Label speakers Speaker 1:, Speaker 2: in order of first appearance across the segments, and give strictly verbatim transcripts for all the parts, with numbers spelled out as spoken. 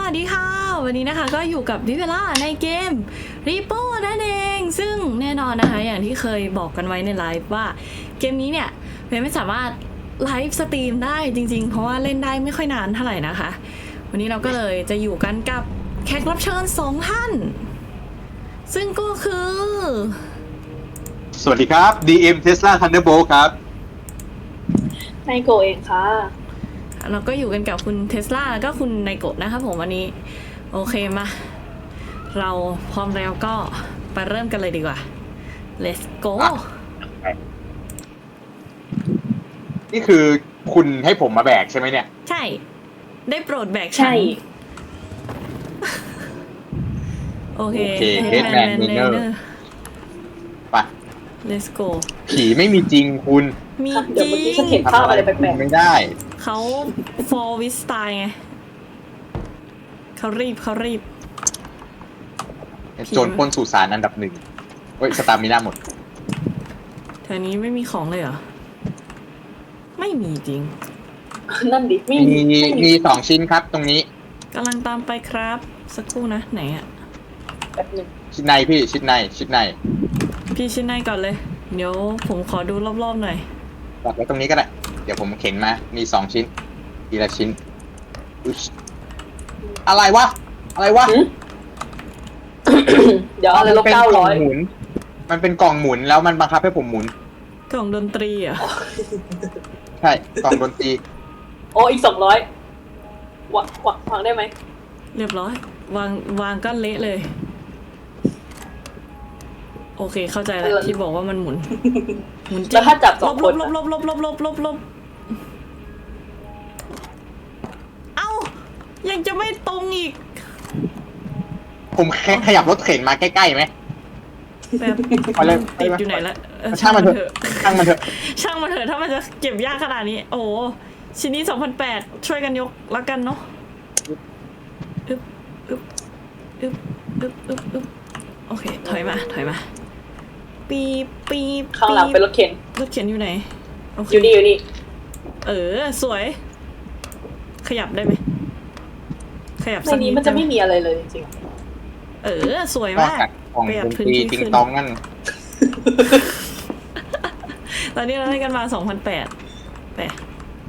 Speaker 1: วัสดีค่ะวันนี้นะคะก็อยู่กับวิเวล่าในเกม Repo นั่นเองซึ่งแน่นอนนะคะอย่างที่เคยบอกกันไว้ในไลฟ์ว่าเกมนี้เนี่ยเว็บไม่สามารถไลฟ์สตรีมได้จริงๆเพราะว่าเล่นได้ไม่ค่อยนานเท่าไหร่นะคะวันนี้เราก็เลยจะอยู่กันกับแขกรับเชิญสองท่านซึ่งก็คือ
Speaker 2: สวัสดีครับ ดี เอ็ม Tesla Thunderbolt ครับ
Speaker 3: ไนโกเองค่ะ
Speaker 1: เราก็อยู่กันกับคุณเทสลาแล้วก็คุณไนโกะนะครับผมวันนี้โอเคมาเราพร้อมแล้วก็ไปเริ่มกันเลยดีกว่า let's go
Speaker 2: นี่คือคุณให้ผมมาแบกใช่ไหมเนี่ย
Speaker 1: ใช่ได้โปรดแบกฉัน
Speaker 3: ใช่
Speaker 1: โอเค
Speaker 2: โอเค Headman Miner ไป
Speaker 1: let's go
Speaker 2: ผีไม่มีจริงคุณ
Speaker 1: มีจ
Speaker 3: เดี๋ยว
Speaker 1: ริ
Speaker 3: เมื่อกี้ฉัน
Speaker 1: ง
Speaker 3: เห็นภาพอะไรแปลก
Speaker 2: ไม่ได้
Speaker 1: เขา for with style ไงเขารีบเขารีบ
Speaker 2: โจรปล้นสุสานอันดับหนึ่งเฮ้ยสตาร์มิน่าหมด
Speaker 1: แถวนี้ไม่มีของเลยเหรอไม่มีจริง
Speaker 3: ๆนั่นดิไม่
Speaker 2: มีมีมีสองชิ้นครับตรงนี้
Speaker 1: กำลังตามไปครับสักครู่นะไหนอะ
Speaker 3: แบบหนึ่ง
Speaker 2: ชิ้นในพี่ชิ้นในชิ้นใน
Speaker 1: พี่ชิ้นในก่อนเลยเดี๋ยวผมขอดูรอบๆหน่อย
Speaker 2: วางไว้ตรงนี้ก็ได้เดี๋ยวผมเข็นมามีสองชิ้นทีละชิ้นอุ๊ยอะไรวะอะไรวะ
Speaker 3: เดี๋ยวอะไรลบเก้าร้อย
Speaker 2: มันเป็นกล่องหมุนแล้วมันบังคับให้ผมหมุน
Speaker 1: กล่องดนตรีเหรอ่ะ
Speaker 2: ใช่กล่องดนตรี
Speaker 3: โอ้อีกสองร้อยวางวางวางได้ไหม
Speaker 1: เรียบร้อย วางวางก็เละเลย โอเคเข้าใจแล้วที่บอกว่ามันหมุนหมุนจริง
Speaker 3: แล้วถ้าจับสองคน
Speaker 1: ลบลบลบลบลบลบลบเอ้ายังจะไม่ตรงอีก
Speaker 2: ผมขยับรถเข็นมาใกล้ๆไหม
Speaker 1: แบบติดอยู่ไหนละ
Speaker 2: ช่างมันเถอะช่างมันเถอะ
Speaker 1: ช่างมันเถอะถ้ามันจะเก็บยากขนาดนี้โอ้ชิ้นนี้สองพันแปดช่วยกันยกแล้วกันเนาะอึ๊บอึ๊บอึ๊บอึ๊บอึ๊บอึ๊บโอเคถอยมาถอยมาปีปีบ
Speaker 3: ข้างหลังเป็นรถเข็น
Speaker 1: รถเข็นอยู่ไหนโอเค
Speaker 3: อยู่นี่อยู่นี่
Speaker 1: เออสวย ขยับได้ไหมขยับ
Speaker 3: ใน
Speaker 1: สักนิ
Speaker 3: นี้
Speaker 1: ด
Speaker 3: มันจะไม่มีอะไรเลยจริง
Speaker 1: เออสวย
Speaker 2: นอก
Speaker 1: มาก
Speaker 2: จากกล่อง
Speaker 1: ประหยั
Speaker 2: ด
Speaker 1: ด
Speaker 2: น
Speaker 1: พื้
Speaker 2: ต
Speaker 1: น
Speaker 2: รี
Speaker 1: ที่
Speaker 2: ติง
Speaker 1: ขึ้น
Speaker 2: ตองนั่น
Speaker 1: ตอนนี้เราได้กันมาสองพันแปดแปด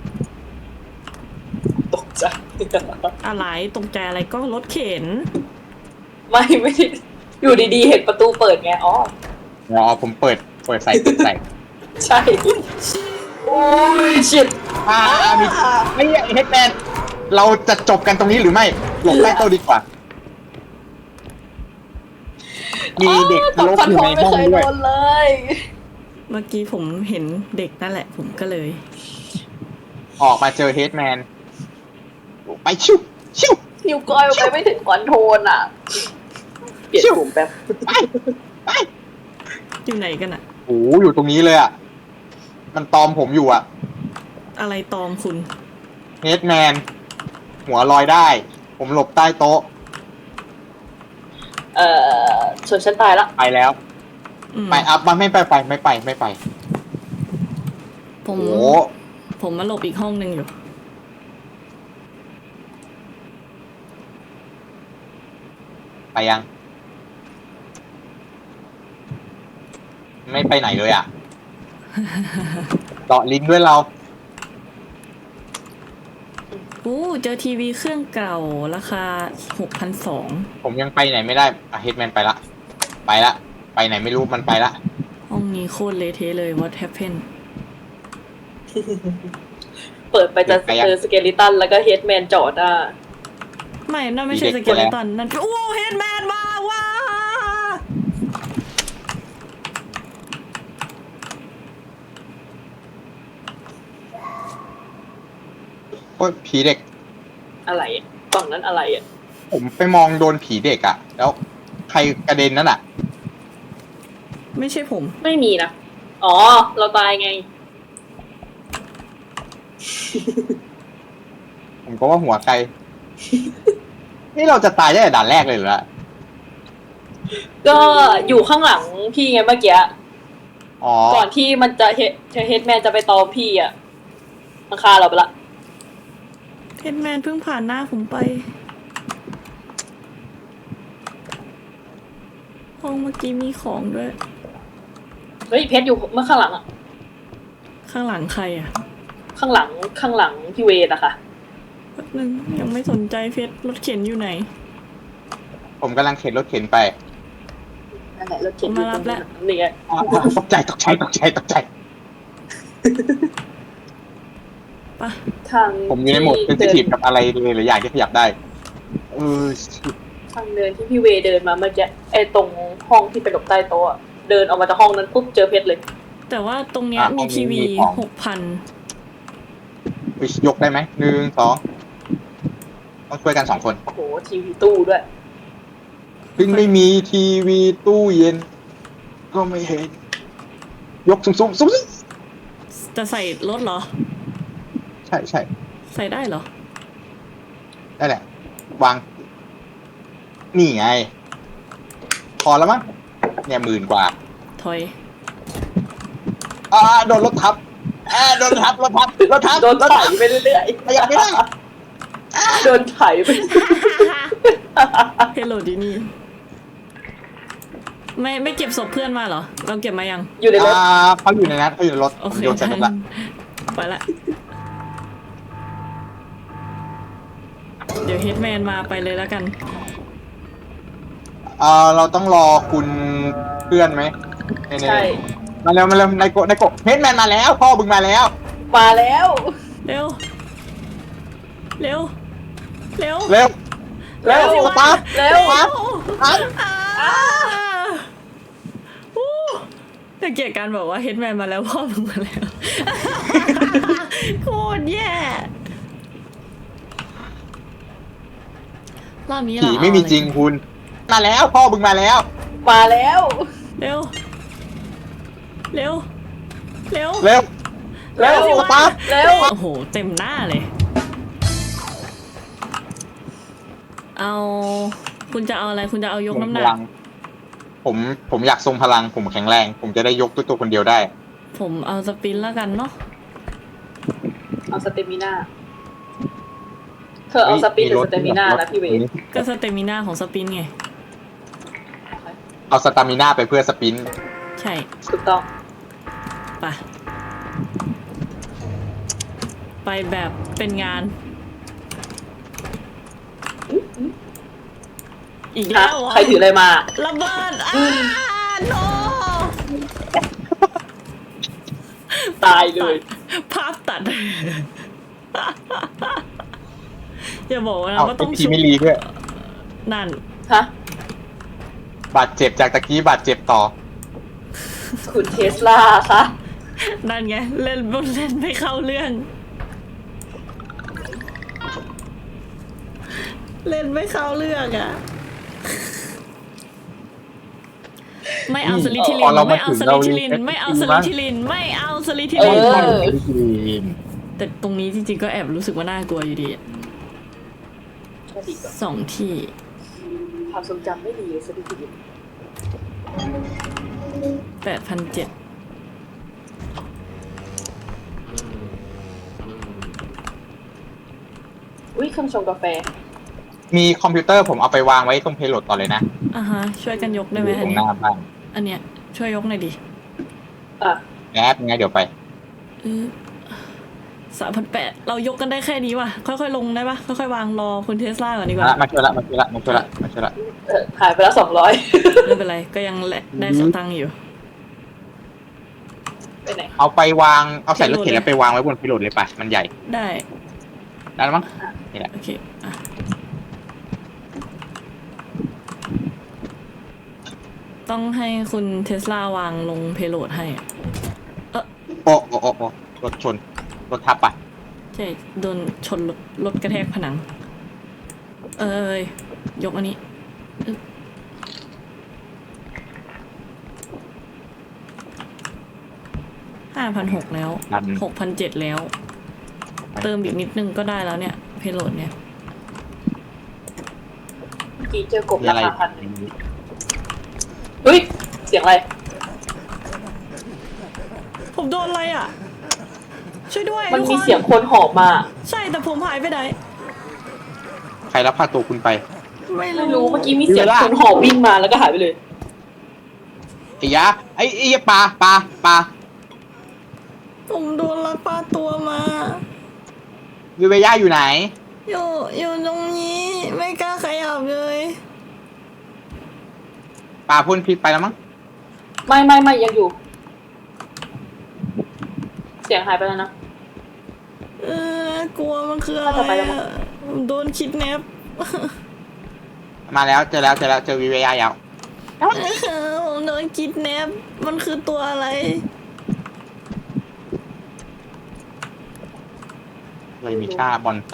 Speaker 3: ๆตกใจ
Speaker 1: อะไรตรงใจอะไรก็รถเข็น
Speaker 3: ไม่ไม่ได้อยู่ดีๆเห็นประตูเปิดไงอ๋อ
Speaker 2: อ๋อผมเปิดเปิดใส่เปิดใส่
Speaker 3: ใช่โอ้ยชิด
Speaker 2: อ่ามีไม่ใช่เฮดแมนเราจะจบกันตรงนี้หรือไม่หลบใต้โต๊ะดีกว่า มีเด็กทะลุอยู่ในห้องด้วย
Speaker 3: เลย
Speaker 1: เมื่อกี้ผมเห็นเด็กนั่นแหละผมก็เลย
Speaker 2: ออกมาเจอเฮดแมนไปชิวชิว
Speaker 3: นิ้วก้อยไปไม่ถึงคอนโทรลอ่ะเปลี่ยนปุ่มแป๊บ
Speaker 2: ไปไป
Speaker 1: อยู่ไหนกันอะ
Speaker 2: โอ้อยู่ตรงนี้เลยอ่ะมันตอมผมอยู่อ่ะ
Speaker 1: อะไรตอมคุณ
Speaker 2: เฮดแมนหัวลอยได้ ผมหลบใต้โต๊ะ
Speaker 3: เอ่อส่วนฉันตายละ
Speaker 2: ไปแล้ว
Speaker 1: อืม
Speaker 2: ไปอัพมาไม่ไปไปไม่ไปไม่ไป
Speaker 1: ผม
Speaker 2: โอ้
Speaker 1: ผมมาหลบอีกห้องหนึ่งอยู่
Speaker 2: ไปยัง ไม่ไปไหนเลยอ่ะ เจาะลิงก์ด้วยเรา
Speaker 1: อู้เจอทีวีเครื่องเก่าราคาหกพันสอง
Speaker 2: ผมยังไปไหนไม่ได้อะเฮดแมนไปละ ไปละ ไปไหนไม่รู้มันไปละ
Speaker 1: ห้องนี้โคตรเละเทะเลย what happened
Speaker 3: เปิดไปจะเจอสเกลิตันแล้วก็เฮดแมนจอดอ่ะ
Speaker 1: ไม่นั่นไม่ใช่สเกเลตันนั่นโอ้เฮดแมนมาว้า
Speaker 2: โอ้ยผีเด็ก
Speaker 3: อะไรอ่ะกล่องนั้นอะไรอ่ะ
Speaker 2: ผมไปมองโดนผีเด็กอะแล้วใครกระเด็นนั่นอะ
Speaker 1: ไม่ใช่ผม
Speaker 3: ไม่มีนะ อ๋อ เราตายไง
Speaker 2: ผมก็ว่าหัวใคร นี่เราจะตายได้แต่ด่านแรกเลยเหรอ
Speaker 3: ก็อยู่ข้างหลังพี่ไงเมื่อกี้
Speaker 2: อ๋อ
Speaker 3: ก่อนที่มันจะเฮดเฮดแมนจะไปตอมพี่อ่ะมันฆ่าเราไปละ
Speaker 1: เฮดแมนเพิ่งผ่านหน้าผมไปห้องเมื่อกี้มีของด้วย
Speaker 3: เฮ้ยเพชรอยู่เมื่อข้างหลังอะ
Speaker 1: ข้างหลังใครอ่ะ
Speaker 3: ข้างหลังข้างหลังพี่เวทอะค่ะ
Speaker 1: แป๊บนึงยังไม่สนใจเพชรรถเข็นอยู่ไหน
Speaker 2: ผมกำลังเข็นรถเข็นไป
Speaker 3: นั่นแหละรถเข็นอยู่
Speaker 1: มา
Speaker 3: ต
Speaker 1: รั
Speaker 3: ร
Speaker 1: บ
Speaker 3: ง
Speaker 1: แล้
Speaker 3: นั้
Speaker 1: ว
Speaker 3: นนี่ไง
Speaker 2: อ่าตกใจตกใจตกใจตกใจ
Speaker 1: ปะ
Speaker 3: ทาง
Speaker 2: ผมอยู่ในโหมดเซนซิทีฟกับอะไรเลยหรืออย่างที่ขยับได้เออ
Speaker 3: ทางเดินที่พี่เวเดินมาเมื่อกี้ไอ้ตรงห้องที่เป็นหลบใต้โต๊ะอะเดินออกมาจากห้องนั้นปุ๊บเจอเพชรเลย
Speaker 1: แต่ว่าตรงเนี้ยมีทีวีหกพัน
Speaker 2: ยกได้ไหมหนึ่งสองต้องช่วยกันสองคน
Speaker 3: โอ้โหทีวีตู้ด้วย
Speaker 2: ถึงไม่มีทีวีตู้เย็น ก็ไม่เห็น ยกสูงสูงสูงสูง
Speaker 1: จะใส่รถเหรอ
Speaker 2: ใช่ใช่
Speaker 1: ใส่ได้เหรอ
Speaker 2: ได้แหละ วาง นี่ไง พอแล้วมั้งเนี่ยหมื่นกว่า
Speaker 1: ถอย
Speaker 2: อ่าโดนรถทับอ่าโดนรถทับรถทับรถทับ
Speaker 3: โดน
Speaker 2: รถ
Speaker 3: ไถ
Speaker 2: ทับ
Speaker 3: ไปเรื่อย
Speaker 2: ขยับไม่ได้
Speaker 3: ๆโดนไถไป
Speaker 1: เฮลโลดีนี่ ไม่ไม่เก็บศพเพื่อนมาเหรอ เราเก็บมายัง
Speaker 3: อยู่ในรถ
Speaker 2: อ่าเขาอยู่ในนั้นเขาอยู่ในรถ
Speaker 1: โอเค
Speaker 2: โยนใส่รถละ
Speaker 1: ไปละ เดี๋ยวเฮดแมนมาไปเลยแล้วกัน
Speaker 2: อ่าเราต้องรอคุณเพื่อนไหมในใน
Speaker 3: ใช่
Speaker 2: มาเร็วมาเร็วนายโกนายโกเฮดแมนมาแล้ว พ่อบึงมาแล้ว
Speaker 3: มาแล้ว
Speaker 1: เร็ว เร็ว เร็ว
Speaker 2: เร็ว
Speaker 3: เร็ว
Speaker 2: สิวะปั๊บ
Speaker 3: เร็ว
Speaker 2: ปั๊บ
Speaker 1: อ่าอู้แต่เกลียดการบอกว่าเฮดแมนมาแล้วพ่อมึงมาแล้ว โคตรแย่รอบนี้เรา
Speaker 2: ผีไม่มีจริงคุณ มาแล้ว พ่อบึงมาแล้ว
Speaker 3: มาแล้ว
Speaker 1: เร็ว เร็ว เร็ว
Speaker 2: เร็ว
Speaker 3: เร็ว
Speaker 2: สิวะปั๊บ
Speaker 3: เร็ว
Speaker 1: โอ้โห เต็มหน้าเลย เอา คุณจะเอาอะไร คุณจะเอายกน้ำหนั
Speaker 2: พ
Speaker 1: ก
Speaker 2: ลังผมผมอยากทรงพลัง ผมแข็งแรง ผมจะได้ยกด้วยตัวคนเดียวได้
Speaker 1: ผมเอาสปินแล้วกันเนาะ
Speaker 3: เอาสเตมิน่าเธอเอาสปินหรือสเตมิน่านะพี่เวท
Speaker 1: ก็สเตมิน่าของสปินไง
Speaker 2: เอาสตามิน่าไปเพื่อสปิน
Speaker 1: ใช่
Speaker 3: ถูกต้อง
Speaker 1: ไป ไปแบบเป็นงาน อีก
Speaker 3: ฮะ
Speaker 1: แล้วเหรอ
Speaker 3: ใครถืออะไรมา
Speaker 1: ระเบิดอ้าโน
Speaker 3: ตายเลย
Speaker 1: ภาพตัด อย่าบอกนะ
Speaker 2: เอา
Speaker 1: ว่า
Speaker 2: ไอ
Speaker 1: ต้อง
Speaker 2: พี
Speaker 1: ชุบ
Speaker 2: ไม่รีด้วย
Speaker 1: นั่น
Speaker 3: ฮะ
Speaker 2: บาดเจ็บจากตะกี้บาดเจ็บต่อ
Speaker 3: คุณเทสลาคะ
Speaker 1: นั่นไง เล่นเล่นไม่เข้าเรื่อง เล่นไม่เข้าเรื่องอ่ะ ไม่เอาสลิทิลิ
Speaker 2: พอน เรามา
Speaker 1: ไม่เอา
Speaker 2: ถึง
Speaker 1: ส
Speaker 2: เรา
Speaker 1: ลิทิลิน
Speaker 2: รีเซ็ต
Speaker 1: ไม่เอา
Speaker 2: จริ
Speaker 1: ส
Speaker 2: ง
Speaker 1: ลิ
Speaker 2: มั้ง
Speaker 1: ทิลิน ไม่เอาสลิทิ
Speaker 3: เอ
Speaker 1: ลิน
Speaker 3: อ
Speaker 1: แต่ตรงนี้จริงๆก็แอบรู้สึกว่าน่ากลัวอยู่ดีอะ
Speaker 3: ก็ดีกว่า
Speaker 1: สองที่
Speaker 3: ความทรงจำไม่ดีเลยสักที
Speaker 1: แปดพันเจ็ด
Speaker 3: อุ้ยเครื่องชงกาแฟ
Speaker 2: มีคอมพิวเตอร์ผมเอาไปวางไว้ตรงเพลโหลดต่อเลยนะ
Speaker 1: อ่ะฮะ ช่วยกันยกได้
Speaker 2: อ
Speaker 1: ไหม
Speaker 2: ยู่ต
Speaker 1: อั
Speaker 2: ร
Speaker 1: น
Speaker 2: งห
Speaker 1: เนี้ย
Speaker 2: น้าบ้าน
Speaker 1: อันเนี้ย ช่วยยกหน่อยดิ
Speaker 3: อ่ะ
Speaker 2: แอปไงเดี๋ยวไป
Speaker 1: สามพันแปดเรายกกันได้แค่นี้ว่ะ ค่อยๆลงได้ปะค่อยๆวางรอคุณเทสลาก่อนดีกว่า
Speaker 2: มาช่วยละมาช่วยละมาช่วยละมาช่วยละ
Speaker 3: เออหายไปแล้วสองร้อย
Speaker 1: ไม่เป็นไร ก็ยังแหละได้สตังค์อยู่
Speaker 3: ไปไหน
Speaker 2: เอาไปวางเอาใส่รถเข็นแล้วไปวางไว้บนเพลโหลดเลยไปมันใหญ่
Speaker 1: ได้
Speaker 2: ได้แล้วมั้งนี่แหละ
Speaker 1: โอเคอ่ะต้องให้คุณเทสลาวางลงเพโลดให้อะ
Speaker 2: โอ้โอ้โอ้โอ้รถชนรถทับปะ
Speaker 1: ใช่ โดนชนรถรถกระแทกผนัง เอ้ย ยกอันนี้ห้าพันหกแล้ว
Speaker 2: ดัน
Speaker 1: หกพันเจ็ดแล้ว เติมอีกนิดนึงก็ได้แล้วเนี่ย เพโลดเนี่ย
Speaker 3: เมื่อกี้เจอกบ
Speaker 2: มี
Speaker 3: รา
Speaker 2: อะไร
Speaker 3: คาพันหนึ่งเฮ้ย เสียงอะไร
Speaker 1: ผมโดนอะไรอ่ะ ช่วยด้วย
Speaker 3: มัน
Speaker 1: ทุก
Speaker 3: มี
Speaker 1: ค
Speaker 3: เสียงคนหอบมา
Speaker 1: ใช่แต่ผมหายไปไหน
Speaker 2: ใครรับพาตัวคุณไป
Speaker 1: ไม่
Speaker 3: ไม่
Speaker 1: รู้
Speaker 3: รู้เมื่อกี้มีเสียงคนหอบวิ่งมาแล้วก็หายไปเลย
Speaker 2: ไอ้ยะไอ้ไอ้ยะปลาปลาปลา
Speaker 1: ผมโดนลักพาตัวมา
Speaker 2: วิเวย่าอยู่ไหน
Speaker 1: อยู่อยู่ตรงนี้ไม่กล้าขยับเลย
Speaker 2: ปลาพ่นพิษไปแล้วมั้ง
Speaker 3: ไม่ไม่ไม่ยังอยู่ เสียงหายไปแล้วนะ
Speaker 1: เออกลัวมันคืออะไร
Speaker 3: น่าจะไปแล้วมั้
Speaker 1: อะ
Speaker 3: ง
Speaker 1: ผมโดนคิดแนป
Speaker 2: มาแล้วเจอแล้วเจอแล้วเจอวิเวย่าแล้ว
Speaker 1: ผมโดนคิดแนปมันคือตัวอะไร
Speaker 2: เลยมีค่าบอนไซ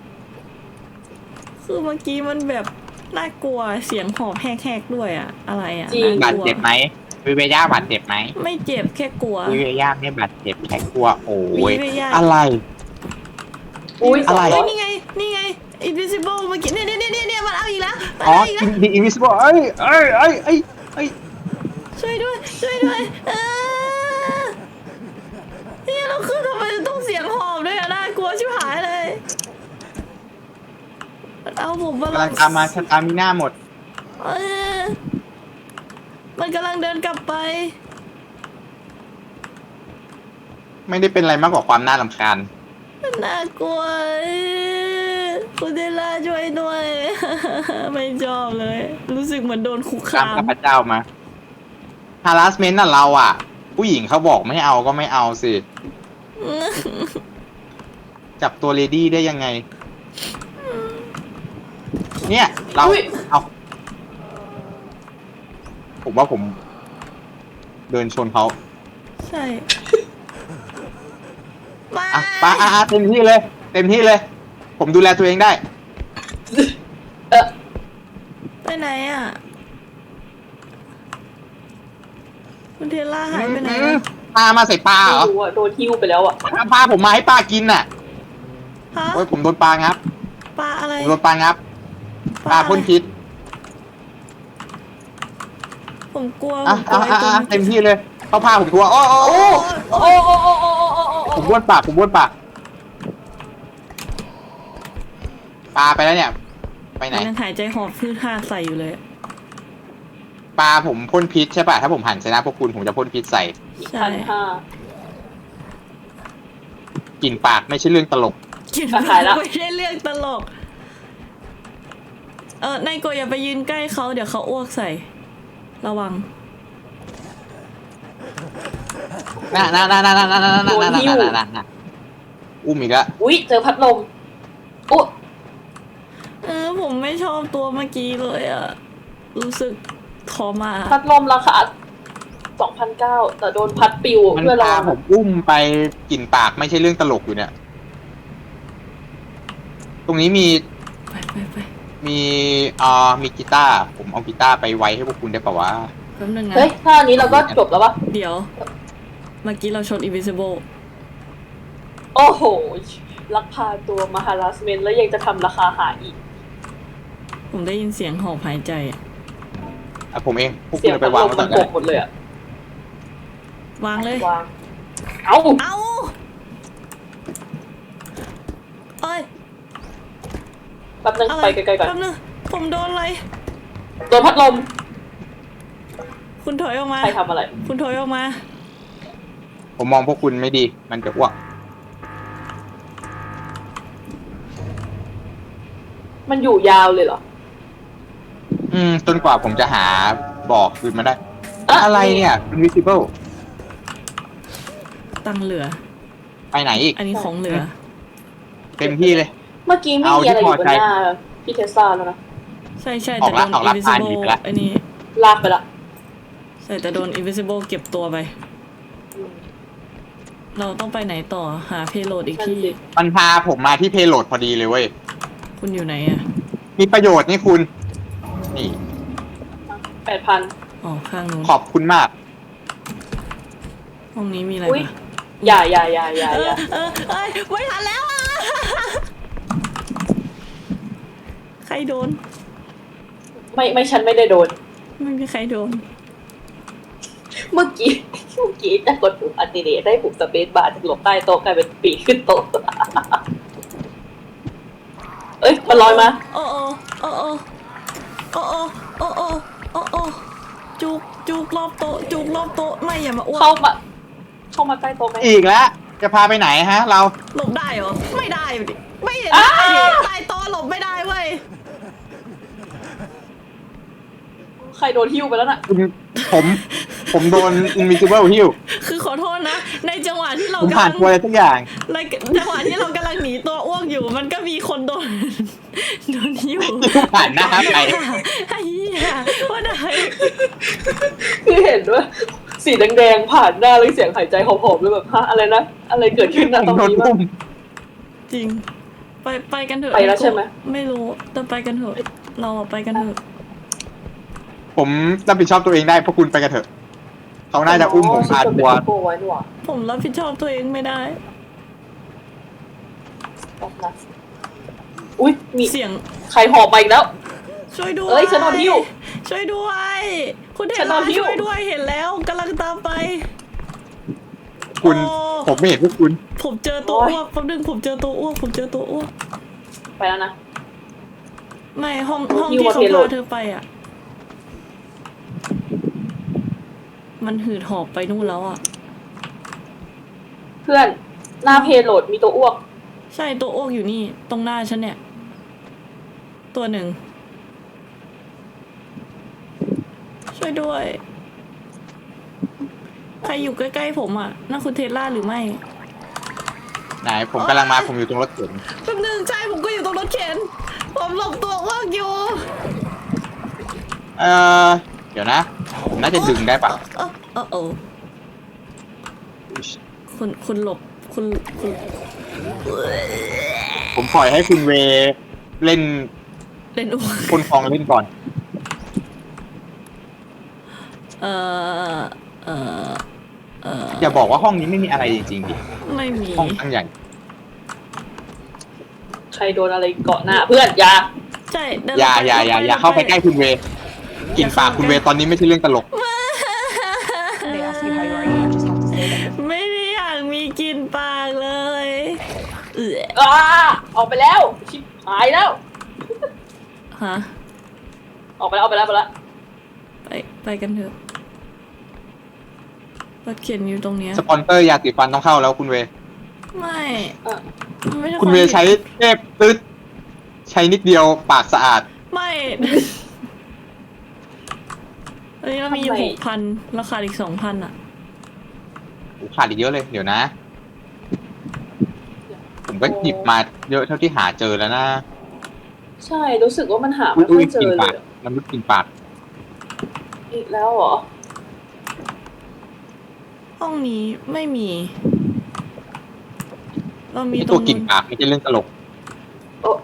Speaker 1: คือเมื่อกี้มันแบบน่ากลัวเสียงหอบแหกๆด้วยอะอะไรอะ
Speaker 3: จริง
Speaker 1: น่
Speaker 2: บาด
Speaker 1: กลัว
Speaker 2: เจ็บไหมวิเวย่าบาดเจ็บไหม
Speaker 1: ไม่เจ็บแค่กลัว
Speaker 2: วิเวย่าไม่บาดเจ็บแค่กลัวโอ้ย
Speaker 1: วิเวย่า
Speaker 2: อะไร
Speaker 3: อุ้ย
Speaker 2: อะไร
Speaker 1: เฮ้ยนี่ไงนี่ไง invisible เมื่อกี้เนี่ยเนี่ยเนี่ยเนี่ยมันเอาอีกแล้วมัน
Speaker 2: อ๋อ
Speaker 1: เอาอีกแล้ว
Speaker 2: The Invisible เอ้ยเอ้ยเอ้ยเอ้ยเอ้ย
Speaker 1: ช่วยด้วยช่วยด้วยเออเนี่ยเราคือทำไมต้องเสียงหอบด้วยอะน่ากลัวชิบหายเลยมันเอาผมมาก
Speaker 2: ำลังตามมาสตามิน่าหมด
Speaker 1: เออมันกำลังเดินกลับไป
Speaker 2: ไม่ได้เป็นอะไรมากกว่าความน่ารำคาญ
Speaker 1: น่ากลัวคุณเดล่าช่วยด้วย ไม่ชอบเลย รู้สึกเหมือนโดนคุก
Speaker 2: ตาม
Speaker 1: คาม
Speaker 2: ข้าพเจ้ามา harassment น่ะเราอ่ะ ผู้หญิงเขาบอกไม่เอาก็ไม่เอาสิ จับตัวเลดี้ได้ยังไง เนี่ย เรา
Speaker 3: อุ๊ย
Speaker 2: เอาผมว่าผม เดินชนเขา
Speaker 1: ใช่มา
Speaker 2: อ่ะไปอ่ะอ่ะเต็มที่เลย เต็มที่เลย ผมดูแลตัวเองได้
Speaker 3: เออ
Speaker 1: ไปไหนอ่ะคุณเทล่าหายไปไหน
Speaker 2: อืม
Speaker 1: อะ
Speaker 2: ปลามาใส่ปลาเหร
Speaker 3: ไม่
Speaker 2: อ
Speaker 3: รู้อะโดนหิ้วไปแล้วอะ
Speaker 2: ปลาผมมาให้ปลากินน่ะ
Speaker 1: ฮะ
Speaker 2: โอ้ยผมโดนปลางับ
Speaker 1: ปลาอะไร
Speaker 2: ผมโดนปลางับ ปลาพ่นพิษ
Speaker 1: ผมกลัวผ
Speaker 2: อ่ะ
Speaker 1: มกลั
Speaker 2: อ่ะ
Speaker 1: วไอ้
Speaker 2: อ่ะ
Speaker 1: ตัว
Speaker 2: อ่ะเต็มที่เลยเขาพาผมทัวร์โอ้โอ้โอ้
Speaker 3: โอ้โอ้โอ้โอ้โอ้โอ้โอ้
Speaker 2: ผมบ้วนปากผมบ้วนปากปลาไปแล้วเนี่ย ไปไหน
Speaker 1: มันยังหายใจหอบพืชท่าใส่อยู่เลย
Speaker 2: ปลาผมพ่นพิษใช่ป่ะ ถ้าผมหันชนะพวกคุณผมจะพ่นพิษใส่
Speaker 1: ใช่
Speaker 3: พันห้าก
Speaker 2: ลิ่นปากไม่ใช่เรื่องตลก
Speaker 1: กิน
Speaker 3: อ่ะหายละ
Speaker 1: ไม่ใช่เรื่องตลก เออนายโกอย่าไปยืนใกล้เขาเดี๋ยวเขาอ้วกใส่ ระวัง
Speaker 2: น่าน่าน่าน่าน่าน่าน่าน่าน่าน่าน่าน่าอุ้มอีกแล้ว
Speaker 3: อุ้ยเจอพัดลมโอ้
Speaker 1: เออผมไม่ชอบตัวเมื่อกี้เลยอะรู้สึกทอมา
Speaker 3: พัดลมราคาสองพันเก้าแต่โดนพัดปิว
Speaker 2: มัน
Speaker 3: เพื่อรอ
Speaker 2: พาผมอุ้มไปกลิ่นปากไม่ใช่เรื่องตลกอยู่เนี่ย ตรงนี้มี
Speaker 1: ไปไปไป
Speaker 2: มีอ่ามีกีตาร์ผมเอากีตาร์ไปไว้ให้พวกคุณได้ป่าวะ
Speaker 1: แป๊บนึงนะ
Speaker 3: เฮ้ยถ้าอันนี้เราก็จบแล้วปะ
Speaker 1: เดี๋ยว เมื่อกี้เราชน invisible
Speaker 3: โอ้โหลักพาตัวมาฮาราสเมนแล้วยังจะทำราคาหาอีก
Speaker 1: ผมได้ยินเสียงหอบหายใจอะ
Speaker 2: อ่ะผมเองพวก
Speaker 3: เสี
Speaker 2: คุ
Speaker 3: ย
Speaker 2: ณ
Speaker 3: ง
Speaker 2: เอาไป
Speaker 3: พัด
Speaker 2: วาง
Speaker 3: ลม
Speaker 2: ไว้ก่
Speaker 3: มั
Speaker 2: อน
Speaker 3: น
Speaker 2: ก็
Speaker 3: โก
Speaker 2: ได้
Speaker 3: กหมดเลยอะ
Speaker 1: วางเลย
Speaker 3: วางเอ้า
Speaker 1: เอาเอ้ย
Speaker 3: แป๊บนึง
Speaker 1: อะไร
Speaker 3: ไปไกลๆก่อน
Speaker 1: แป๊บนึงผมโดนอะไร
Speaker 3: โดนพัดลม
Speaker 1: คุณถอยออกมา
Speaker 3: ใครทำอะไร
Speaker 1: คุณถอยออกมา
Speaker 2: ผมมองพวกคุณไม่ดี มันจะอ้วก
Speaker 3: มันอยู่ยาวเลยเหรอ
Speaker 2: อืมจนกว่าผมจะหาบอกคืนมาได้
Speaker 3: อ่ะ
Speaker 2: อะไรเนี่ย invisible
Speaker 1: ตังเหลือ
Speaker 2: ไปไหนอีก
Speaker 1: อันนี้ของเหลือ
Speaker 2: เต็มที่เลย
Speaker 3: เมื่อกี้ไม่
Speaker 2: เอา
Speaker 3: มีอะไร
Speaker 2: ที่
Speaker 3: อ
Speaker 2: พอยู่
Speaker 3: บน
Speaker 2: ใจ
Speaker 3: หน้าพี่เทสลาแล้วนะ
Speaker 1: ใช่ใช่
Speaker 2: อ
Speaker 1: แต่
Speaker 2: อก
Speaker 1: โด
Speaker 2: ละ
Speaker 1: น
Speaker 2: ออกละผ่าน
Speaker 1: invisible
Speaker 2: หนีไปละ
Speaker 1: อันนี้
Speaker 3: ลากไปละ
Speaker 1: ใช่แต่โดน invisible เก็บตัวไป
Speaker 3: อืม
Speaker 1: เราต้องไปไหนต่อหาเพโลดอีก
Speaker 3: นั่น
Speaker 1: ที่
Speaker 3: สิ
Speaker 2: มันพาผมมาที่เพโลดพอดีเลยเว้ย
Speaker 1: คุณอยู่ไหนอะ
Speaker 2: มีประโยชน์นี่คุณ นี่
Speaker 3: แปดพัน
Speaker 1: อ๋อข้างนู้น
Speaker 2: ขอบคุณมาก
Speaker 1: ห้องนี้มีอะไร
Speaker 3: อุ้ย
Speaker 1: ปะ
Speaker 3: อย่าอย่าอย่าอย่า
Speaker 1: เอ
Speaker 3: อย่า
Speaker 1: อเออเอ้ยไม่ทันแล้วอ่ะ ใครโดน
Speaker 3: ไม่ไม่ฉันไม่ได้โดน
Speaker 1: ไม่มีใครโดน
Speaker 3: เมื่อกี้ เมื่อกี้จะกดปุ่มอัลติเนตได้ปุ่มสเปซบาร์ถึงหลบใต้โต๊ะกลายเป็นปีกขึ้นโต๊ะ เอ้ย มันลอยมา
Speaker 1: โอ้โอ้โอ้โอ้โอ้โอ้โอ้โอ้โอ้โอ้จุกจุจุกรอบโต๊ะจุกรอบโต๊ะไม่อย่ามาอ้ว
Speaker 3: เข้าก มา เข้ามาใกล้โต๊ะไหม
Speaker 2: อีกแล้ว จะพาไปไหนฮะ เรา
Speaker 1: หลบได้เหรอไม่ได้ดิไม่เห็น
Speaker 3: อ้า
Speaker 1: ได้ดิใต้โต๊ะหลบไม่ได้เว้ย
Speaker 3: ใครโดนหิ้วไปแล้วน่ะ
Speaker 2: คุณผม ผมโดน invisible หิ้ว
Speaker 1: คือขอโทษนะ ในจังหวะที่เรา
Speaker 2: ผม
Speaker 1: กำ
Speaker 2: ผ่า
Speaker 1: ลั
Speaker 2: น
Speaker 1: ง
Speaker 2: ตัวอะไรสักอย่าง
Speaker 1: ในจังหวะที่เรากำลังหนีตัวอ้วกอยู่ มันก็มีคนโดน โดนหิ้ว
Speaker 2: ผ่านหน้าไป
Speaker 1: ไอ้เหี้ยว่าได้
Speaker 3: คือเห็นด้วยสีแดงๆผ่านหน้าแล้วเสียงหายใจหอบๆเลยแบบฮะอะไรนะ อะไรเกิดขึ้นนะ
Speaker 2: ผ
Speaker 3: ตร
Speaker 2: ม
Speaker 3: ง
Speaker 2: โดน
Speaker 3: นี้มั้
Speaker 2: ปุ้
Speaker 3: ง
Speaker 2: ม
Speaker 1: จริง ไปไปกันเถอะ
Speaker 3: ไปแล้วใช่ไหม
Speaker 1: ไม่รู้แต่ไปกันเถอะ เราอะไปกันเถอะ
Speaker 2: ผมรับผิดชอบตัวเองได้เพราะคุณไปกันเถอะ เขาน่าจะอุ้มผมพาทัวร์
Speaker 3: โกไว้นี่หว่า
Speaker 1: ผมรับผิดชอบตัวเองไม่ได้
Speaker 3: แป๊บนะอุ้ยมี
Speaker 1: เสียง
Speaker 3: ใครหอบไปอีกแล้ว
Speaker 1: ช่วยด้วย
Speaker 3: เอ้ยฉันโดนหิ้ว
Speaker 1: ช่วยด้วย คุณเท
Speaker 3: ฉันโด
Speaker 1: ล่าน
Speaker 3: หิ้ว
Speaker 1: ช่วยด้วยเห็นแล้วกำลังตามไป
Speaker 2: คุณ
Speaker 1: โอ้
Speaker 2: ผมไม่เห็นพวกคุณ
Speaker 1: ผมเจอตัวอ้วกแป๊บนึงผมเจอตัวอ้วกผมเจอตัวอ้วก
Speaker 3: ไปแล้วนะ
Speaker 1: ไม่ห้อง
Speaker 3: โอ้
Speaker 1: ห้อง
Speaker 3: หิ้ว
Speaker 1: ที่
Speaker 3: มา
Speaker 1: เขา
Speaker 3: เพโล
Speaker 1: พา
Speaker 3: ด
Speaker 1: เธอไปอ่ะ มันหืดหอบไปนู่นแล้วอ่ะ
Speaker 3: เพื่อนหน้าเพโลดมีตัวอ้วก
Speaker 1: ใช่ตัวอ้วกอยู่นี่ ตรงหน้าฉันเนี่ย ตัวหนึ่ง ช่วยด้วย ใครอยู่ใกล้ๆผมอ่ะนั่นคุณเทสลาหรือไม่
Speaker 2: ไหน ผมกำลังมา ผมอยู่ตรงรถเข็น
Speaker 1: แป๊บนึงใช่ผมก็อยู่ตรงรถเข็น ผมหลบตัวอ้วกอยู่
Speaker 2: เออเดี๋ยวนะ ผมน่าจะดึงได้ปะ
Speaker 1: เออเออเออคุณคุณหลบคุณคุณ
Speaker 2: ผมปล่อยให้คุณเวเล่น
Speaker 1: เล่นอ้วก
Speaker 2: คนฟองเล่นก่อน
Speaker 1: เออเออเออ
Speaker 2: อย่าบอกว่าห้องนี้ไม่มีอะไรจริงๆดิ
Speaker 1: ไม่มี
Speaker 2: ห้องตั้งใหญ่
Speaker 3: ใครโดนอะไรเกาะหน้า เพื่อนอย่า
Speaker 1: ใช่เดิน
Speaker 2: อย่า
Speaker 1: ไป
Speaker 2: อย่าอย่า
Speaker 1: ดิน
Speaker 2: อย่าเข้าไปใกล้คุณเวกลินปากคุณเวตอนนี้ไม่ใช่เรื่องตลก
Speaker 4: They ask you how you are, you just have to say that.
Speaker 1: ไม่ได้อยากมีกลินปากเลยเออ
Speaker 3: อ้าออกไปแล้ว ชิบหายแล้ว
Speaker 1: ฮะ
Speaker 3: ออกไปแล้วออกไปแล้วออกไปแล้ว
Speaker 1: ไปไปกันเถอะรถเขียนอยู่ตรงเนี้ย
Speaker 2: สปอนเซอร์ยาสีฟันต้องเข้าแล้วคุณเว
Speaker 1: ไม่
Speaker 3: อ่ะ
Speaker 1: มันไม่ใช่
Speaker 2: คุณเวใช้เทพตึ๊ดใช้นิดเดียวปากสะอาด
Speaker 1: ไม่อันนี้เรามีหกพันราคาอีกสองพันอ่ะ
Speaker 2: ขาดอีกเยอะเลย เดี๋ยวนะ ผมก็หยิบมาเยอะเท่าที่หาเจอแล้วนะ
Speaker 3: ใช่รู้สึกว่ามันหา
Speaker 2: อุ้
Speaker 3: ไม่
Speaker 2: ย
Speaker 3: ค่อย ยเจ
Speaker 2: กิน
Speaker 3: อเล
Speaker 2: ปาก
Speaker 3: ย
Speaker 2: น้ำลึกกินปาก
Speaker 3: อีกแล้วเหรอ
Speaker 1: ห้องนี้ไม่มี เรามี
Speaker 2: นี่
Speaker 1: ตร
Speaker 2: ตัว
Speaker 1: ง
Speaker 2: กิน
Speaker 1: นู้น
Speaker 2: ปากไม่ใช่เรื่องตลก
Speaker 3: โอ้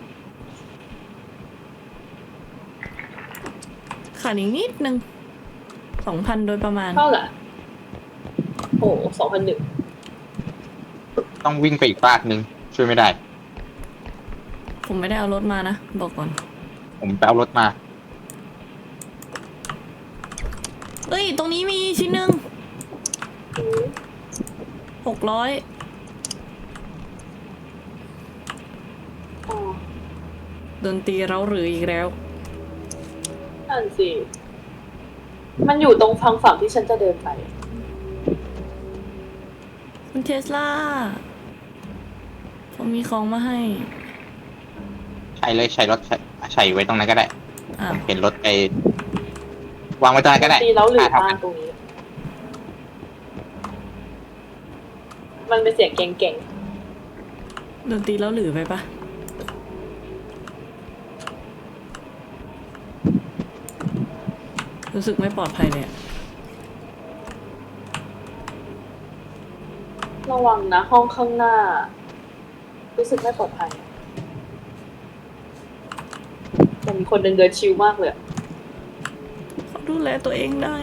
Speaker 1: ขาดอีกนิดนึงสองพันโดยประมาณ
Speaker 3: เท่าไหร่โอ้สองพันหนึ่ง
Speaker 2: ต้องวิ่งไปอีกปากนึง ช่วยไม่ได้
Speaker 1: ผมไม่ได้เอารถมานะ บอกก่อน
Speaker 2: ผมไปเอารถมา
Speaker 1: เอ้ย ตรงนี้มีชิ้นหนึ่งหกร้อย
Speaker 3: อ๋อ
Speaker 1: ดนตรีเราหรืออีกแล้ว
Speaker 3: นั่นสิ มันอยู่ตรงฝั่งฝั่งที่ฉันจะเดินไป
Speaker 1: คุณเทสลาผมมีของมาให้
Speaker 2: ใช้เลยใช้รถใช้ใช้ไว้ตรงนั้นก็ได้
Speaker 1: อ่า
Speaker 2: ผมเห็นรถไปวางไว้ตรงนั้นก็ได้
Speaker 3: ตีแล้วหรือ
Speaker 2: เท่า
Speaker 3: มา
Speaker 2: กัน
Speaker 3: ตรงนี้ มันเป็นเสียงเก่ง
Speaker 1: ดนตรีเราหรือไปปะรู้สึกไม่ปลอดภัยเลยอะ
Speaker 3: ๆ ระวังนะ ห้องข้างหน้า รู้สึกไม่ปลอดภัยแต่มีคนเดินเดินชิลมากเลยอะ
Speaker 1: เขาดูแลตัวเองได้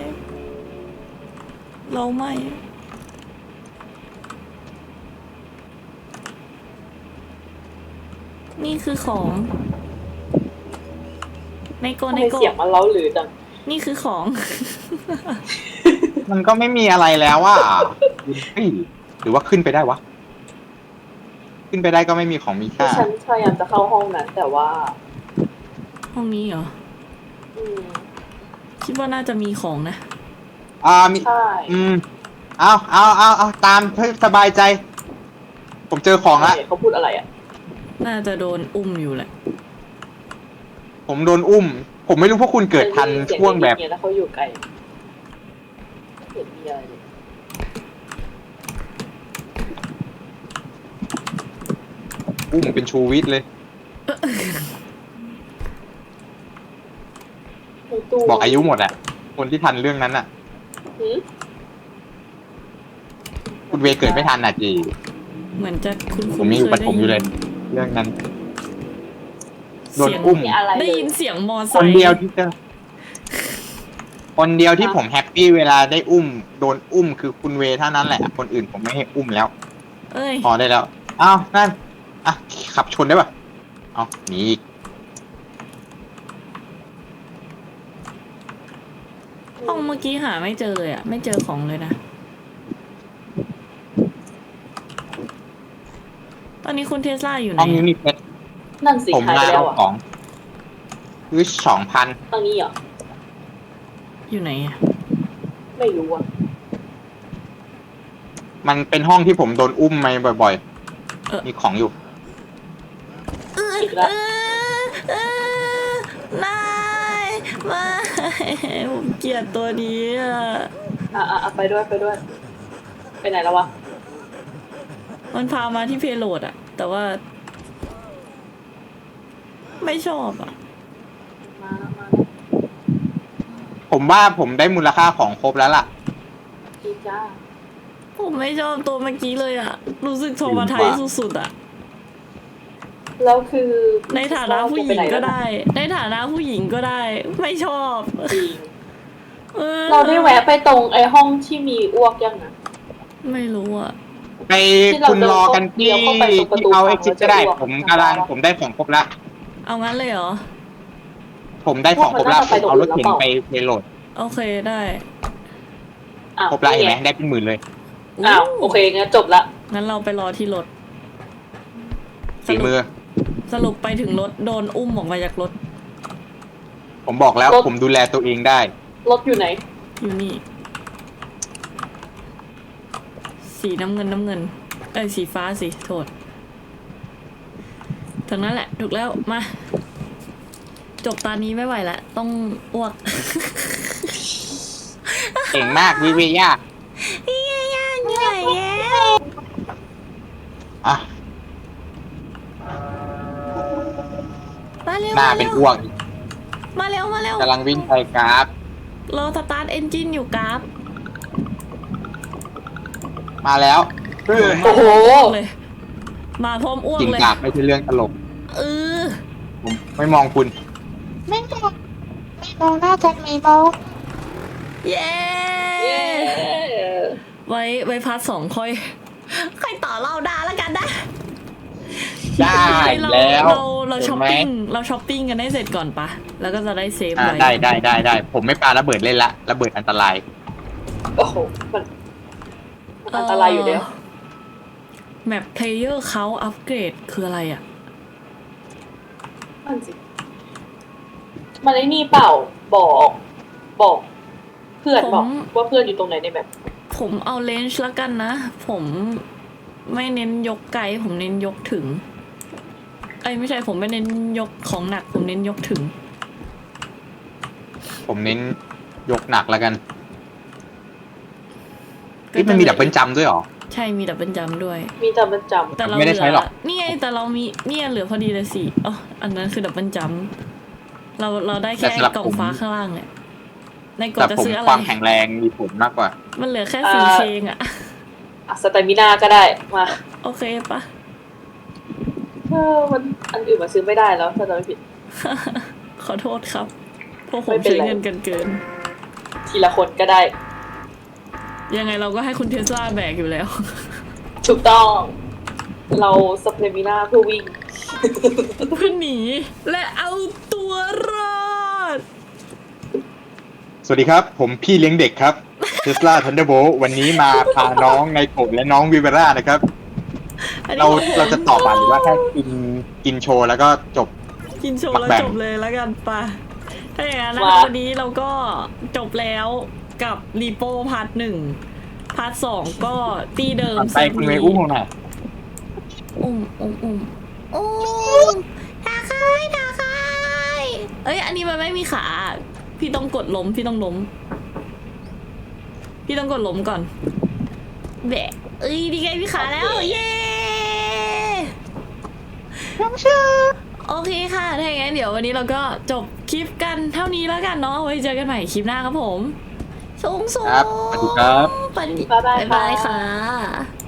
Speaker 1: เราไม่ นี่คือของ ในโก
Speaker 3: ทำ
Speaker 1: ใน
Speaker 3: ไม
Speaker 1: โก
Speaker 3: เสียงมันเล้าหรือจัง
Speaker 1: นี่คือของ
Speaker 2: มันก็ไม่มีอะไรแล้วว่าเฮ้ยหรือว่าขึ้นไปได้วะ ขึ้นไปได้ก็ไม่มีของมี
Speaker 3: ที่
Speaker 2: ค่า
Speaker 3: ฉันพยายามจะเข้าห้องนั้น แต่ว่า
Speaker 1: ห้องนี้เหรอ
Speaker 3: อืม
Speaker 1: คิดว่าน่าจะมีของนะ
Speaker 2: อ่ามี
Speaker 3: ใช่
Speaker 2: อืมเอาเอาเอาเอาตามให้สบายใจ ผมเจอของละ
Speaker 3: เขาพูดอะไรอ่ะ
Speaker 1: น่าจะโดนอุ้มอยู่แหละ
Speaker 2: ผมโดนอุ้ม ผมไม่รู้พวกคุณเกิดทันช่วงแบบ
Speaker 3: เสียงแล้วเขาอยู่ไกลไม่เห็นมีอะไรเลย
Speaker 2: อุ้มเป็นชูวิทย์เลย
Speaker 3: ในตู้
Speaker 2: บอกอายุหมดอ่ะ คนที่ทันเรื่องนั้นอ่ะ
Speaker 3: หืม
Speaker 2: คุณเวย์เกิดไม่ทันอ่ะจี
Speaker 1: เหมือนจะคุณ
Speaker 2: ผมยังอยู่ปฐมอยู่เลย เรื่องนั้น โดนอุ้ม
Speaker 3: มีอะไร
Speaker 1: ได้
Speaker 3: เลย
Speaker 1: ยินเสียงมอไซ
Speaker 2: คน
Speaker 1: ค์
Speaker 2: เดียวที่เจอคนเดียวที่ผมแฮปปี้เวลาได้อุ้ม โดนอุ้มคือคุณเวย์เท่านั้นแหละ คนอื่นผมไม่ให้อุ้มแล้ว
Speaker 1: เอ้ย
Speaker 2: พอได้แล้ว อ้าว นั่น อ่ะ ขับชนได้ป่ะ เอาหนีอีก
Speaker 1: ห้องเมื่อกี้หาไม่เจอเลยอะไม่เจอของเลยนะ ตอนนี้คุณเทสลาอยู่ไหน
Speaker 2: ห้องนี้มีเพชร
Speaker 3: นั่นสิ
Speaker 2: ผม
Speaker 3: หาย
Speaker 2: มา
Speaker 3: ไปแล้
Speaker 2: เอา
Speaker 3: วอ่ะ
Speaker 2: ของคือสองพัน
Speaker 3: ตรงนี้เหรอ
Speaker 1: อยู่ไหนอะ
Speaker 3: ไม่รู้อ่ะ
Speaker 2: มันเป็นห้องที่ผมโดนอุ้มมาบ่อย
Speaker 1: เออ
Speaker 2: ๆ มีของอยู่
Speaker 3: อีกแล้ว
Speaker 1: เออเออนายมาผมเกลียดตัวนี้อะ
Speaker 3: อ่ะอ่ะอ่ะไปด้วยไปด้วย ไปไหนแล้ววะ
Speaker 1: มันพามาที่เพโลดอะแต่ว่า ไม่ชอบอะ
Speaker 3: มาแล้วมา
Speaker 2: ผมว่าผมได้มูลค่าของครบแล้วล่ะ
Speaker 3: ดีจ้า
Speaker 1: ผมไม่ชอบตัวเมื่อกี้เลยอะรู้สึกโทรมาไทยสุดๆอะ
Speaker 3: แล้วคือ
Speaker 1: ในฐานะผู้หญิงก็ได้ ในฐานะผู้หญิงก็ได้ ไม่ชอบ
Speaker 3: จริง
Speaker 1: ออ
Speaker 3: เราได้แวะไปตรงไอ้ห้องที่มีอ้วกยังนะ
Speaker 1: ไม่รู้อะ
Speaker 2: ไปคุณรอกันที่ที่เอาเอ็กซิสก็ได้ ผมกำลังผมได้ของครบแล้ว
Speaker 1: เอางั้นเลยเหรอ
Speaker 2: ผมได้ของครบแล้วผมเอารถเข็นไปไปโหลด
Speaker 1: โอเคได้
Speaker 3: อ้าว
Speaker 2: ครบแล้วเห็นไหม
Speaker 3: ไง
Speaker 2: ได้เป็นหมื่นเลย
Speaker 3: อ้าวโอเคงั้นจบละ
Speaker 1: งั้นเราไปรอที่รถ
Speaker 2: ฝีมือ
Speaker 1: สรุปไปถึงรถโดนอุ้มออกมาจากรถ
Speaker 2: ผมบอกแล้วผมดูแลตัวเองได้
Speaker 3: รถอยู่ไหน
Speaker 1: อยู่นี่ สีน้ำเงินน้ำเงิน เอ้ยสีฟ้าสิโทษถึงนั้นแหละ ถูกแล้วมา จบตอนนี้ไม่ไหวละต้องอ้วก
Speaker 2: เก่งมากวิเวีย
Speaker 1: พี่ย่าเหนื่อยแล้ว
Speaker 2: อ่ะ
Speaker 1: มาเร็ว
Speaker 2: หน้า
Speaker 1: มา
Speaker 2: เป็
Speaker 1: เร็
Speaker 2: น
Speaker 1: ว
Speaker 2: อ้วก
Speaker 1: มาเร็วมาเร็ว
Speaker 2: กำลังวิ่งไปกราฟ
Speaker 1: เราสตาร์ทเอนจินอยู่กราฟ
Speaker 2: มาแล้วเออ
Speaker 3: โอ้โห
Speaker 1: เลยมาพร้อมอ้วก
Speaker 2: กิน
Speaker 1: เลย
Speaker 2: กราฟไม่ใช่เรื่องตลก
Speaker 1: เออ
Speaker 2: ผมไม่มองคุณ
Speaker 4: ไม่มองไม่มองน่าจะไม่มอง
Speaker 1: เย้
Speaker 3: เย้
Speaker 1: ไว้ไว้พาร์ทสองค่อย ค่อยต่อเล่าได้แล้วกันนะ
Speaker 2: ได้
Speaker 1: เรา
Speaker 2: แล้ว
Speaker 1: เราเรา
Speaker 2: เห็
Speaker 1: ช้อน ป
Speaker 2: ไหม
Speaker 1: ปิ้งเราช้อปปิ้งกันให้เสร็จก่อนปะแล้วก็จะได้เซฟ
Speaker 2: อ่า
Speaker 1: ไว้
Speaker 2: ได้ได้ได้ได้ผมไม่ปาระเบิดเล่นละระเบิดอันตราย
Speaker 3: โอ้โหมันมันอันตรายอยู่แล้ว
Speaker 1: แมปเพลเยอร์เขาอัปเกรดคืออะไรอ่ะ
Speaker 3: นั่นสิ มันไอ้นี่เปล่า บอก บอก เพื่อนบอก
Speaker 1: ผม
Speaker 3: ว่าเพื่อนอยู่ตรงไหนในแบบ
Speaker 1: ผมเอาเลนจ์แล้วกันนะ ผมไม่เน้นยกไกล ผมเน้นยกถึง เอ้ยไม่ใช่ผมไม่เน้นยกของหนัก ผมเน้นยกถึง
Speaker 2: ผมเน้นยกหนักแล้วกันนี่มันมีดับเบิลจัมป์ด้วยเหรอ
Speaker 1: ใช่มีดับเบิลจัมป์ด้วย
Speaker 3: มีแต่มันจำ
Speaker 1: แต่เรา
Speaker 2: ไม่ได้ใช้หรอก
Speaker 1: นี่ไงแต่เรามีเนี่ยเหลือพอดีเลยสิอ๋ออันนั้นคือดับเบิลจัมป์เราเราได้แค่กล่องฟ้าข้างล่างเนี่ยในกล่อ
Speaker 2: แต่
Speaker 1: งจะ
Speaker 2: ผม
Speaker 1: ซื้ออะไร
Speaker 2: ความแข็งแรงมีผลมากกว่า
Speaker 1: มันเหลือแค่สีเคงอะ
Speaker 3: อ่ะสเตมินาก็ได้ มา
Speaker 1: โอเคปะ
Speaker 3: เออมันอันอื่นมาซื้อไม่ได้แล้วถ้าจำไม่ผิด
Speaker 1: ขอโทษครับพวกผ
Speaker 3: ไม่
Speaker 1: ม
Speaker 3: เป็น
Speaker 1: ใช้
Speaker 3: ไร
Speaker 1: เงินกันเกิน
Speaker 3: ทีละคนก็ได้
Speaker 1: ยังไงเราก็ให้คุณเทสลาแบกอยู่แล้ว
Speaker 3: ถูกต้อง เราสเตมินาเพื่อวิ่ง
Speaker 1: เพื่อหนีและเอาตัวรอด
Speaker 2: สวัสดีครับ ผมพี่เลี้ยงเด็กครับ Tesla Thunderbolt วันนี้มาพาน้องไนโกะและน้องวิเวร่านะครับ
Speaker 1: อันนี้
Speaker 2: เรา
Speaker 1: ของผม
Speaker 2: เราจะตอบอ่านหรือว่าแค่กินกินโชว์แล้วก็จบ
Speaker 1: กินโชว์แล้ว
Speaker 2: แบ่ง
Speaker 1: จบเลยแล้วกันปะถ้าอย่างนั้นนะ
Speaker 3: ว้า
Speaker 1: คะวันนี้เราก็จบแล้วกับรีโปพาร์ทหนึ่งพาร์ทสองก็ตีเดิม
Speaker 2: ไปคุณเมย์อุ้มหน่อย
Speaker 1: อุ้มอุ้มอุ้มอุ้มทาคายทาคายเอ้ยอันนี้มันไม่มีขาพี่ต้องกดล้มพี่ต้องล้มพี่ต้องกดล้มก่อนแบะเอ้ยดีไงพี่ขาแล้วเย้โอเคค่ะถ้าอย่างนั้นเดี๋ยววันนี้เราก็จบคลิปกันเท่านี้แล้วกันเนาะไว้เจอกันใหม่คลิปหน้าครับผมสูงสูง
Speaker 2: ครับสวัสดีครับ
Speaker 1: สวัสดี
Speaker 3: บ๊ายบาย
Speaker 1: บ๊ายบาย
Speaker 3: ค่ะ
Speaker 1: ค่ะ